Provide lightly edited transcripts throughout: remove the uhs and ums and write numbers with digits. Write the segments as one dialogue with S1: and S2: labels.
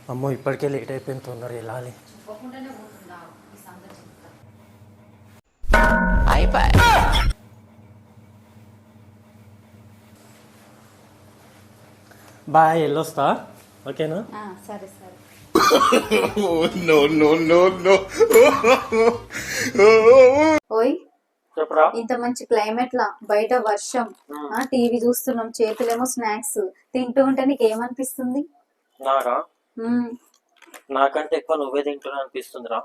S1: అమ్మో ఇప్పటికే లేట్ అయిపోయింది, తొందర వెళ్ళాలి. బాయ్, వెళ్ళొస్తా. ఓకేనా?
S2: సరే సరే. ఓయ్, ఇంత మంచి క్లైమేట్ లా బయట వర్షం, టీవీ చూస్తున్నాం, చేతులేమో స్నాక్స్ తింటూ ఉంటే నీకు ఏమనిపిస్తుంది?
S1: నాకా? నాకంటే ఎక్కువ నువ్వే తింటున్నా అనిపిస్తుందిరా.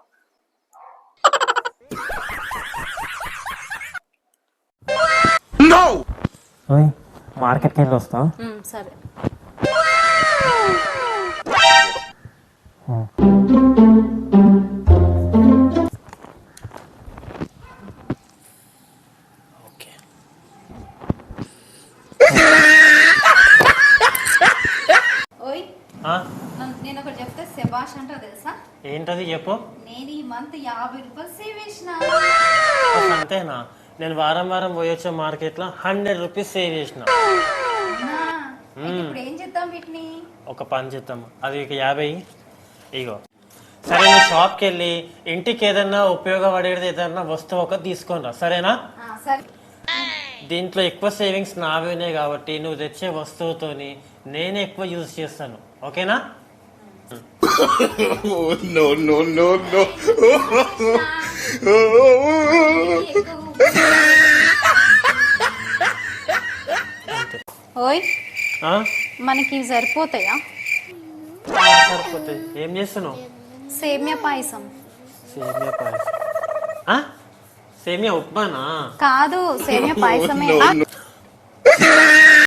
S1: మార్కెట్కి వెళ్ళి వస్తా.
S2: సరే. ఓయ్, నేను ఒకటి చెప్తే శబాష్ అంటావు తెలుసా?
S1: ఏంటది చెప్పు.
S2: నేను ఈ మంత్ 50 రూపాయలు సేవ్ చేసిన.
S1: అంతేనా? నేను వారం వారం పోయొచ్చే మార్కెట్ లో 100 రూపీస్ సేవ్ చేసిన.
S2: ఇప్పుడు ఏం చేద్దాం వీటిని?
S1: ఒక పని చేద్దాం, అది 50 ఇగో. సరే, నువ్వు షాప్కి వెళ్ళి ఇంటికి ఏదన్నా ఉపయోగపడేది ఏదన్నా వస్తువు ఒక తీసుకొని రా, సరేనా?
S2: సరే.
S1: దీంట్లో ఎక్కువ సేవింగ్స్ నావేనే కాబట్టి నువ్వు తెచ్చే వస్తువుతోని నేనే ఎక్కువ యూజ్ చేస్తాను, ఓకేనా?
S2: ఓయ్, మనకి సరిపోతాయా?
S1: సరిపోతాయి. ఏం చేస్తున్నావు?
S2: సేమియా పాయసం.
S1: సేమియా పాయసం? సేమియా ఉప్మానా?
S2: కాదు, సేమియా పాయసమే.